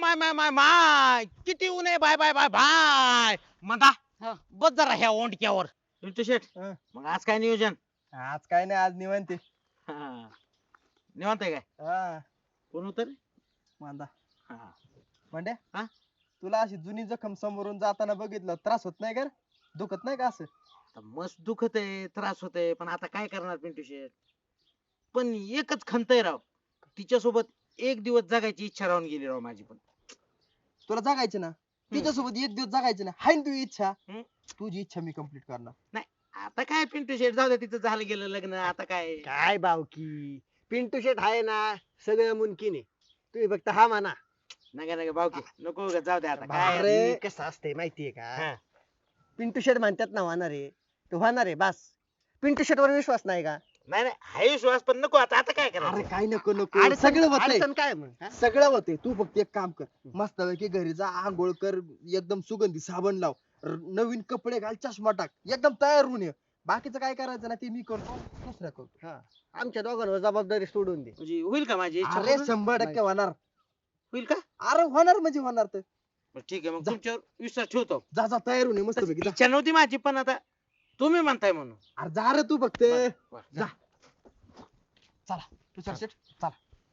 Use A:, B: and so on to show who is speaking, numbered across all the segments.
A: माय माय माय माय किती ऊन आहे बाय बाय बाय बाय म्हणता
B: हा.
A: बस जरा ह्या ओंडक्यावर पिंटू शेठ
C: हं.
A: मग आज काय नियोजन
C: आज काय नाही, आज निवांत आहे.
A: हा. निवांत आहे काय
C: हा
A: कोण उतर
C: मांदा
A: हा
C: म्हणजे
A: हा?
C: तुला अशी जुनी जखम समोरून जाताना बघितलं त्रास होत नाही का रे? दुखत नाही का असं?
A: आता मस्त दुखत आहे त्रास होत आहे पण आता काय करणार पिंटू शेठ पण एकच खंत आहे राव तिच्यासोबत एक दिवस जगायची इच्छा राहून गेली राव माझी पण
C: तुला जगायचे ना तिच्यासोबत एक दिवस जगायचे ना हाय ना तुझी इच्छा
A: हम्म.
C: तुझी इच्छा मी कम्प्लीट करणार.
A: नाही आता काय पिंटू शेठ जाऊ दे तिचं झालं गेलं लग्न आता काय
D: काय बावकी पिंटू शेट आहे ना सगळं मुमकिन आहे तुम्ही फक्त हा म्हणा.
A: नका नका भाऊकी नको उगाच जाऊ दे आता काय
D: अरे कसं असते माहितीये
A: हा.
D: का पिंटू शेट म्हणतात ना होणार आहे तो होणार आहे बस. पिंटू शेट वर विश्वास नाही का?
A: नाही नाही हाय विश्वास पण नको आता आता काय
C: अरे
A: करायचं
C: काय नको नको
D: अडचण-
C: सगळं होतंय
D: अडचण काय मग हा?
C: सगळं होतंय तू फक्त एक काम कर मस्त पैकी घरी जा आंघोळ कर एकदम सुगंधी साबण लाव नवीन कपडे घाल चष्मा टाक एकदम तयार होऊन ये बाकीचं काय करायचं ना ते मी करतो दुसरं करतो.
D: हा. आमच्या दोघांवर जबाबदारी सोडून दे.
A: म्हणजे होईल का माझी इच्छा
C: अरे
A: पूर्ण?
C: 100% होणार.
A: होईल का
C: अरे होणार म्हणजे होणार तर
A: बरं, ठीक आहे मग
C: जा.
A: तुमच्यावर विश्वास ठेवतो
C: जा जा तयार होऊन ये मस्त पैकी जा.
A: इच्छा नव्हती माझी पण आता तुम्ही म्हणताय म्हणून
C: अरे जा रे तू फक्त
A: बरं,
C: जा. चला तुषार शेठ चला.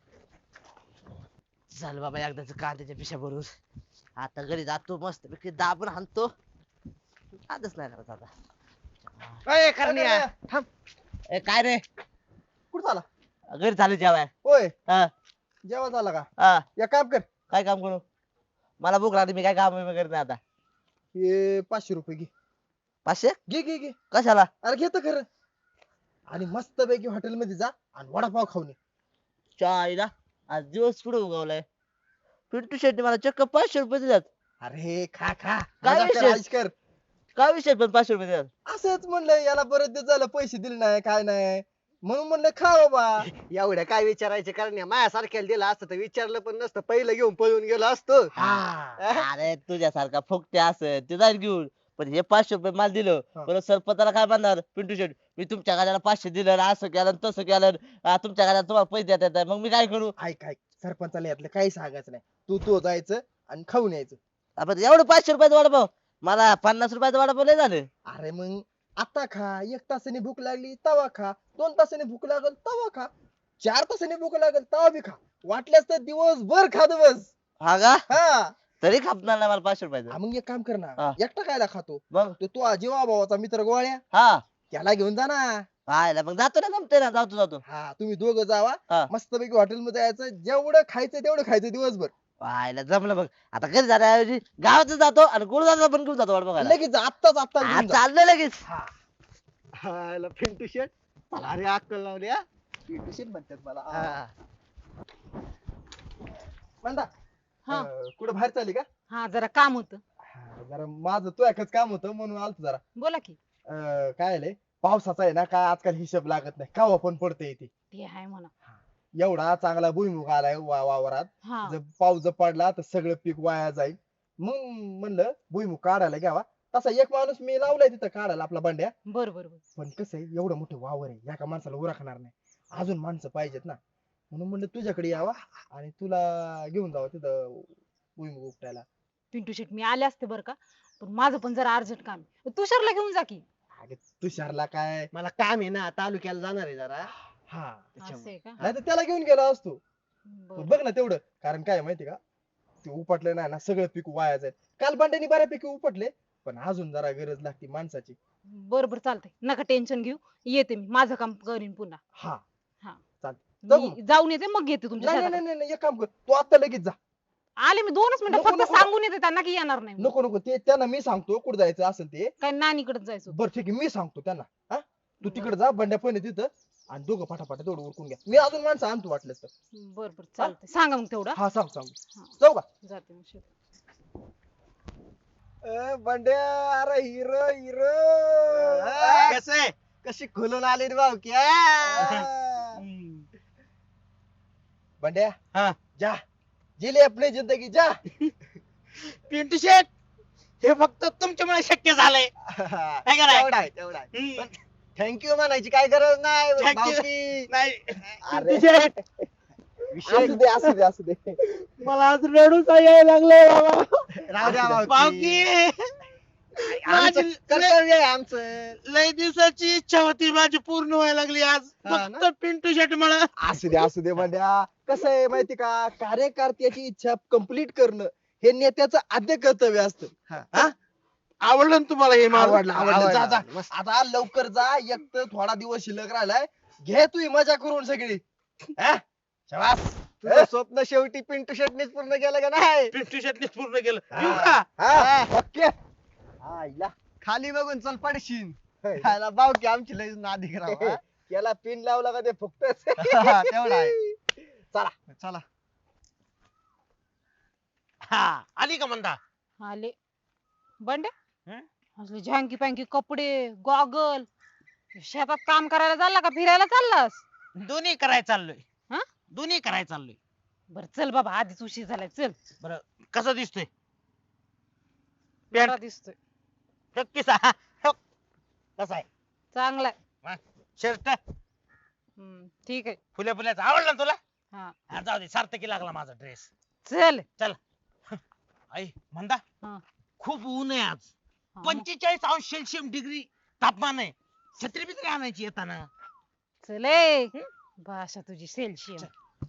B: चल बाबा एकदाच कांद्याच्या पिशा भरून आता घरी जातो मस्त पैकी दाबून हाणतो आजच नाही करत आता
A: ए, करण्या.
C: थांब
B: ए काय रे
C: कुठं झाला
B: घरी चालू जेवाय
C: होय
B: हा
C: जेवण झाला का
B: हा
C: या काम कर
B: काय काम करू मला भूक लागली मी काय काम करत नाही आता
C: हे 500 रुपये घे
B: 500
C: घे घे घे
B: कशाला
C: अरे घेतो खरं आणि मस्त पैकी हॉटेल मध्ये जा आणि वडापाव खाऊन ये.
B: चायला आज दिवस पुढे उगवलाय पिंटू शेट्टी मला चक्क 500 रुपये दिल्यात
C: अरे खा खा
B: काय
C: मजा कर,
B: विषय?
C: ऐश कर
B: काय विषय पण 500 रुपये दिल्यात
C: असंच म्हणलं याला बरेच दिवस झालं पैसे दिले नाही काय नाही म्हणून म्हणलं खा बाबा.
D: एवढं काय विचारायचं कारण माझ्यासारख्याला दिलं असतं तर विचारलं पण नसतं पहिलं घेऊन पळून गेलो असतो.
C: हा
B: अरे तुझ्यासारखा फुकटे असं ते जाईल घेऊन पण हे 500 रुपये मला दिलं
C: हा.
B: परत सरपंचाला काय म्हणणार पिंटू शेट मी तुमच्या गाड्याला 500 दिलं आणि असं केलं आणि तसं केलं तुमच्या गाड्याला तुम्हाला पैसे देता येत नाही. मग मी काय करू
C: ऐक ऐक सरपंचाला यातलं काही सांगायचं नाही तू जायचं आणि खाऊन यायचं.
B: आपण एवढं 500 रुपयाचं वडापाव मला 50 रुपयाचं वडापाव लय झालं
C: अरे मग आता खा 1 तासाने भूक लागली तवा खा 2 तासाने भूक लागल तवा खा 4 तासाने भूक लागल तवा बी खा वाटल्यास तर दिवसभर खा दिवस.
B: हा का
C: हा
B: तरी खापणार नाही मला 500 रुपयाचं
C: मग एक काम कर ना
B: हा.
C: एकटा खायला खातो
B: मग
C: तो जीवा भावाचा मित्र गोळ्या
B: हा
C: त्याला घेऊन जा ना.
B: हायला मग जातो ना जमते ना जातो
C: हा तुम्ही दोघं जावा
B: हा.
C: मस्त पैकी हॉटेल मध्ये जायचं जेवढं खायचं तेवढं खायचं दिवसभर.
B: हायला जमलं बघ आता घरी जाण्याऐवजी गावात जातो आणि गुरुदादा पण घेऊन जातो वडापाव खायला.
C: लगेच जा, आत्ताच आत्ताच
B: हा,
C: घेऊन जा.
B: चाललंय लगेच
D: हायला पिंटू शेट अरे अक्कल लावली हा.
C: पिंटू शेट म्हणतात मला
D: हा.
C: म्हणता
E: हा.
C: कुठं बाहेर चालली का?
E: हा जरा काम होतं
C: जरा माझं तो एकच काम होतं म्हणून आलतो जरा.
E: बोला की
C: काय आलंय पावसाचा आहे ना काय आजकाल हिशोब लागत नाही कावा पण पडते इथे
E: ते आहे म्हणा
C: एवढा चांगला भुईमुग आलाय वावरात
E: हा
C: जर पाऊस जर पडला तर सगळं पीक वाया जाईल मग म्हणलं भुईमुग काढायला घ्यावा तसा एक माणूस मी लावलाय तिथं काढायला आपला बंड्या.
E: बर बर बर
C: पण कसं आहे एवढं मोठं वावर आहे एका माणसाला उरकणार नाही अजून माणसं पाहिजेत ना म्हणून म्हणलं तुझ्याकडे यावा आणि तुला घेऊन जावं तिथं भुईमुग उपटायला.
E: पिंटू शेट मी आले असते बर का पण माझं पण जरा अर्जंट काम आहे तुषारला घेऊन जा की.
C: अरे तुषारला काय
D: मला काम आहे ना तालुक्याला जाणार आहे जरा
C: हा
E: असं आहे का
C: नाही तर त्याला घेऊन गेला असतो.
E: बरं.
C: बघ ना तेवढं कारण काय आहे माहिती का ते उपटलं नाही ना सगळं पीक वाया जाईल. काल बंड्यानी बऱ्यापैकी उपटले पण अजून जरा गरज लागते माणसाची.
E: बर बर चालतंय नका टेन्शन घेऊ येते मी माझं काम करीन पुन्हा
C: हा
E: हा
C: चालतंय. जाऊ
E: मी जाऊन येते मग येते तुमच्या
C: नाही
E: शेताकडे.
C: नाही नाही एक काम कर तू आता लगेच जा.
E: आले मी 2च मिनिटं
C: नको,
E: फक्त
C: नको.
E: सांगून येते त्यांना की येणार नाही
C: नको नको ते त्यांना मी सांगतो कुठं जायचं असेल ते.
E: काय नानीकडे जायचं होतं.
C: बरं ठीक आहे मी सांगतो त्यांना. हा तू तिकडे जा बंड्या पण आहे तिथं आणि दोघं पाठापाठा तेवढं उरकून घ्या मी अजून माणसं आणतो वाटलंच तर.
E: बर बर चालतंय सांगा मग तेवढं
C: हा सांग सांग
E: हा.
C: जाऊ का?
E: जाते मग शेतात.
C: बंड्या अरे हिरो हिरो
D: कसं आहे कशी खुलून आली रे भावकी
C: बंड्या
A: हा.
C: जा जिले अपनी जिंदगी जा.
A: पिंटू शेठ हे फक्त तुमच्यामुळे शक्य झालंय काय कराय?
D: तेवढा आहे तेवढा आहे थँक्यू म्हणायची काय गरज नाही
A: Thank you.
D: भावकी.
A: नाही
C: अरे असू दे
A: मला आज रडूच यायला लागलंय बाबा.
D: राहू द्या
A: भाऊकी
D: आमचं
A: माझी
D: कर्तव्य आहे आमचं.
A: लय दिवसाची इच्छा होती माझी पूर्ण व्हायला लागली आज.
D: हा ना?
A: फक्त पिंटू शेट मला
C: असू दे म्हणल्या कसं आहे माहिती का कार्यकर्त्याची इच्छा कंप्लीट करणं हे नेत्याचं आद्य कर्तव्य असतं
A: हा? आवडलं ना तुम्हाला हे माझं?
C: आवडलं जा जा
D: मस्त.
C: आता लवकर जा एक तर थोडा दिवस शिल्लक राहिलाय घे तू मजा करून सगळी हा? शाबास.
D: तुझं स्वप्न शेवटी पिंटू शेटनीच पूर्ण केलं का नाही?
A: पिंटू शेटनीच पूर्ण केलं. येऊ का?
C: हा, ओके आईला
D: खाली बघून चल पडशील.
C: होय.
D: खायला बाव की आमची लई नादी करावं, हा?
C: याला पिन लावला का ते फुकतच
D: तेवढा आहे.
C: चला
D: चला
A: हा आली का म्हणता?
E: आले बंड्या
A: हं?
E: असले झँकी पँकी कपडे गॉगल शेतात काम करायला चालला का फिरायला चाललास?
A: दोन्ही करायला चाललोय.
E: हा?
A: दोन्ही करायला चाललोय.
E: बर चल बाबा आधीच उशीर झालाय चल.
A: बरं कसं दिसतोय?
E: बरा दिसतोय
A: नक्की कसा आहे?
E: चांगलाय.
A: शर्ट
E: ठीक आहे.
A: फुल्या फुल्याचा आवडला ना तुला?
E: हा
A: हा, जाऊ दे सार्थकी लागला माझा ड्रेस.
E: चल.
A: आई म्हणता
E: हा.
A: खूप ऊन आहे आज.
E: हा, मग
A: 45° डिग्री तापमान आहे. छत्री बित्री आणायची येताना.
E: चल ए. भाषा तुझी सेल्शियम.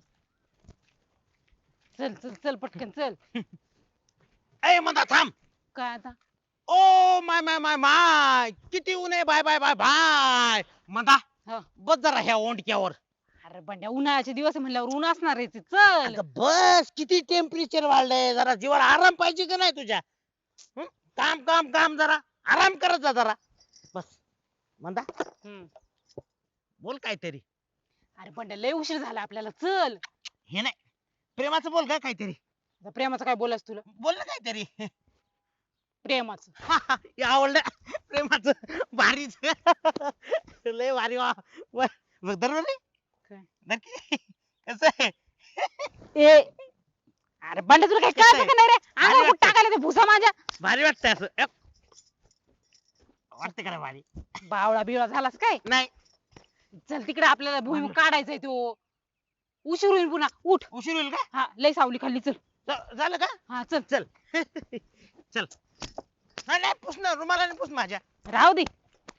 E: चल चल चल पटकन चल.
A: ए म्हणता थांब.
E: काय आता?
A: ओ माय माय माय माय किती ऊन आहे. बाय बाय बाय बाय म्हणता
E: हा.
A: बस जरा ह्या ओंडक्यावर.
E: अरे बंड्या उन्हाळ्याचे दिवस आहे म्हणल्यावर ऊन असणार आहे ते. चल.
A: अगं बस किती टेम्परेचर वाढलंय. जरा जीवाला आराम पाहिजे का नाही तुझ्या? हं? काम काम काम जरा आराम करत जा जरा. बस म्हणता
E: हम्म.
A: बोल काहीतरी.
E: अरे बंड्या लय उशीर झाला आपल्याला चल.
A: हे नाही प्रेमाचं बोल का काहीतरी.
E: आता प्रेमाचं काय बोलायचं तुला?
A: बोल ना काहीतरी.
E: प्रेमाचं.
A: हे आवडलं प्रेमाचं भारीच. लय भारी वा बघ दरबारी
E: काय?
A: नक्की कसं आहे?
E: ए अरे बंड्या तुला काय कळतं का नाही रे? अंगावर कुठं टाकायला ते भुसा माझ्या.
A: भारी वाटतंय असं. वाटते का रे भारी?
E: बावळा बिवळा झालास काय?
A: नाही
E: चल तिकडे आपल्याला भुईमुग काढायचंय तो. उशीर होईल पुन्हा उठ.
A: उशीर होईल का?
E: हा लय सावली खाल्ली चल.
A: झालं का?
E: हा चल.
A: चल चल. नाही नाही पुस ना रुमालाने पुस माझ्या.
E: राहू दे.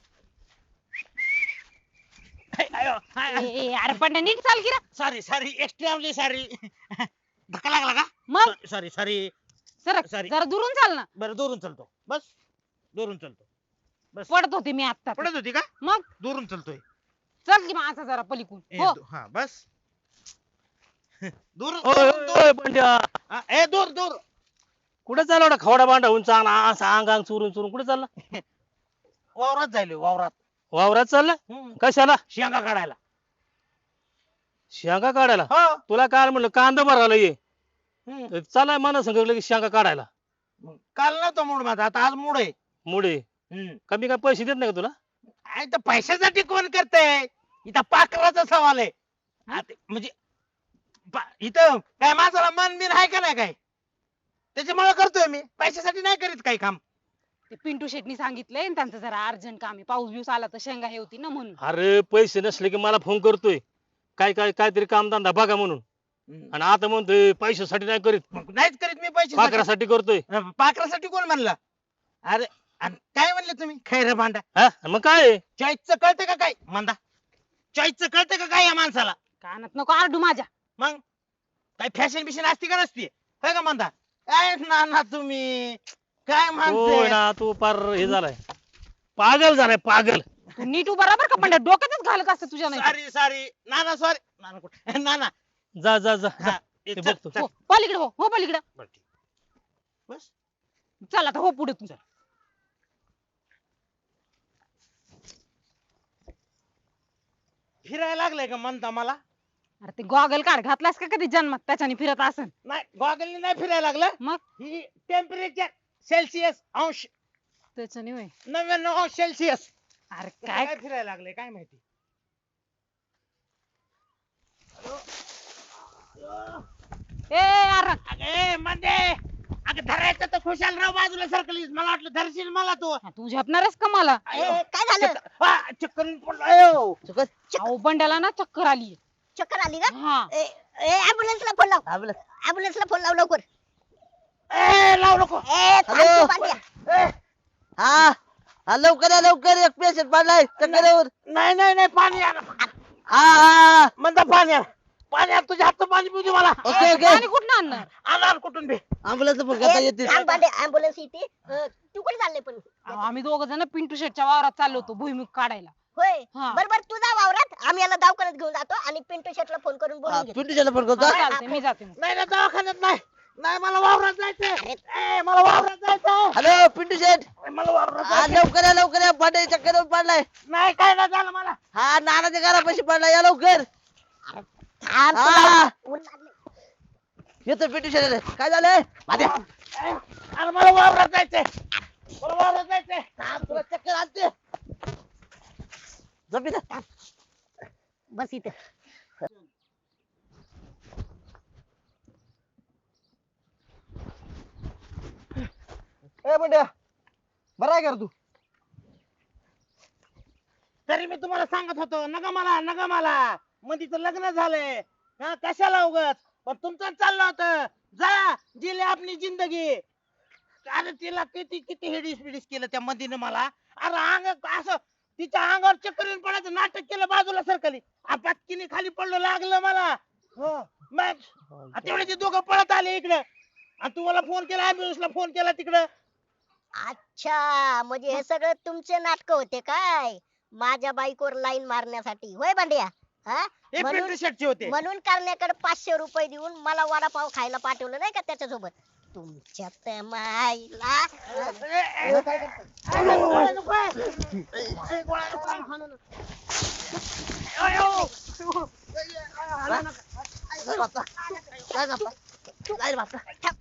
A: अयो
E: अरे बंड्या नीट चाल की रे.
A: Sorry sorry extremely sorry. धक्का लागला का?
E: मग
A: सॉरी सॉरी.
E: सरक
A: Sorry.
E: जरा दुरून चाल ना.
A: बरं दुरून चलतो. बस दुरून चलतो. बस
E: पडत होते मी आता.
A: पडत होती का?
E: मग
A: दुरून चलतोय.
E: चल की माझा जरा पलीकून.
A: ए,
E: हो
A: हा बस. दूर
F: ओय ओय बंड्या
A: ए दूर दूर.
F: कुठे चालला एवढा खवडा बांधा होऊन चांगला असा अंग अंग चुरून चुरून कुठे चालला?
A: वावरात जायलोय वावरात.
F: वावरात चालला? कशाला?
A: शेंगा काढायला.
F: शेंगा काढायला?
A: हो.
F: तुला काय म्हणलं कांदा भरायला ये.
A: हम्म.
F: चालाय मला सांगितलं लगेच शेंगा काढायला.
A: मग काल नव्हता मूड माझा आता आज मूड आहे.
F: मुळे कमी काय पैसे देत नाही का तुला?
A: अरे तर पैशासाठी कोण करतंय? इथं पाखराचा सवाल आहे. म्हणजे इथं काय माणसाला मन बिन आहे का नाही काय? त्याच्यामुळे करतोय मी. पैशासाठी नाही करीत काही काम.
E: ते पिंटू शेटनी सांगितलंय आणि त्यांचं जरा अर्जंट काम आहे. पाऊस बिऊस आला तर शेंगा हे होती ना म्हणून.
F: अरे पैसे नसले की मला फोन करतोय काय काय काहीतरी कामधंदा बघा म्हणून. आणि आता म्हणतोय पैशासाठी नाही करीत,
A: मग नाहीच करीत मी पैशासाठी.
F: पाखरासाठी करतोय.
A: पाखरासाठी कोण म्हणलं? अरे आणि काय म्हणले तुम्ही? खैर भांडा.
F: हा मग काय?
A: चॉईसचं कळतं का काय? म्हणता चॉईसचं कळतं का काय या माणसाला?
E: कानात नको आरडू माझ्या.
A: मग काय फॅशन बिशन असते का नसते? होय का म्हणता? काय ना तुम्ही काय
F: होय
A: माणसं
F: ना तू पार हे झालाय पागल झालाय पागल.
E: तू नीट उभा राहा बरं का पण डोक्यातच घालत असतं तुझ्या नाही.
A: सॉरी सॉरी नाना सॉरी नाना कुठे नाना
F: जा जा जा जा.
A: हा,
F: ते
A: चल,
F: बघतो.
A: चल.
E: हो पलीकडे हो हो पलीकडे.
A: बरं, ठीक. बस
E: चल आता हो पुढे तू.
A: फिरायला लागलंय का म्हणता मला?
E: अरे ते गॉगल काढ घातलास का कधी जन्मात त्याच्याने फिरत असन.
A: नाही गॉगलनी नाही फिरायला लागलं.
E: मग
A: ही टेम्परेचर सेल्सिअस अंश
E: त्याच्याने होय.
A: 99°C.
E: अरे
A: काय
E: काय
A: फिरायला लागले काय माहिती.
E: ए अरे
A: अगे म्हणजे अगं धरायचं तर खुशालराव बाजूला सरकलीस. मला वाटलं धरशील मला तू.
E: तू झेपणारच का मला?
G: काय झालं?
A: चक्कर पडलो.
E: अहो बंड्याला ना चक्कर आली.
G: चक्कर आली का?
E: हा
G: ऍम्ब्युलन्सला फोन लाव
B: हा, बोला.
G: ऍम्ब्युलन्सला फोन लाव लवकर
A: लावू नको
G: थांब
B: हॅलो.
G: तू बांड्या.
B: हा हा लवकर या लवकर एक पेशंट पडलाय चक्करवर.
A: नाही नाही नाही पाणी आण
B: हा हा
A: म्हणता पाणी आण पाणी आण तुझ्या हातचं पाणी पिऊ दे मला
B: ओके ओके
E: पाणी कुठं आणणार
A: आण कुठून बे
B: अँब्युलन्स फोन करता येते
G: थांब बांड्या ऍम्ब्युलन्स येते तू कुठे चालले पण
E: अहो, आम्ही दोघ जण पिंटू शेटच्या वावरात चाललो होतो भुईमुग काढायला
G: होय
E: हा.
G: बरोबर तुझा वावरात आम्ही याला दवाखान्यात घेऊन जातो आणि पिंटू शेटला फोन करून बोलून घेतो
B: पिंटूच्याला फोन
E: हा,
B: करतो
E: चालतंय मी जाते मग.
A: नाही ना दवाखान्यात नाही नाही मला वावरात जायचंय मला वावरात जायचंय
B: हॅलो पिंटू शेठ
A: मला वावरात
B: हा लवकर या पाडे चक्करवर पडलाय.
A: नाही काय नाही झालं मला
B: हा नानाच्या घरापाशी पडलाय या लवकर.
G: थांब
B: हा.
G: तुला ऊन लागलंय.
B: येतो पिंटू शेठ काय झालंय माझ्या
A: अरे मला वावरात जायचंय मला वावरात जायचंय
B: तुला चक्कर आणते झोप इथं.
G: बस इथे
C: ए बंड्या बरा आहे का रे तू
A: तरी मी तुम्हाला सांगत होतो नका मला मधीच लग्न झालंय हा कशाला उगत पण तुमचं चाललं होतं जा जिले आपली जिंदगी अरे तिला किती किती हिडीस पिडीस केलं त्या मधीनं मला अरे अंग असं तिच्या अंगावर चक्कर येऊन पडायचं नाटक केलं बाजूला सरकली पटकीने खाली पडलं लागलं मला मग तेवढे ते दोघं पळत आले इकडं आणि तुम्हाला फोन केला ऍम्ब्युलन्सला फोन केला तिकडं
G: अच्छा म्हणजे हे सगळं तुमचे नाटक होते काय माझ्या बाईकवर लाईन मारण्यासाठी होय बांड्या हा
A: हे
G: म्हणून
A: पिंटू शेटचे होते
G: म्हणून करण्याकडे 500 रुपये देऊन मला वडापाव खायला पाठवलं नाही का त्याच्यासोबत तुमच्या त्या माईला
B: काय बाप्पा? काय बाप्पा?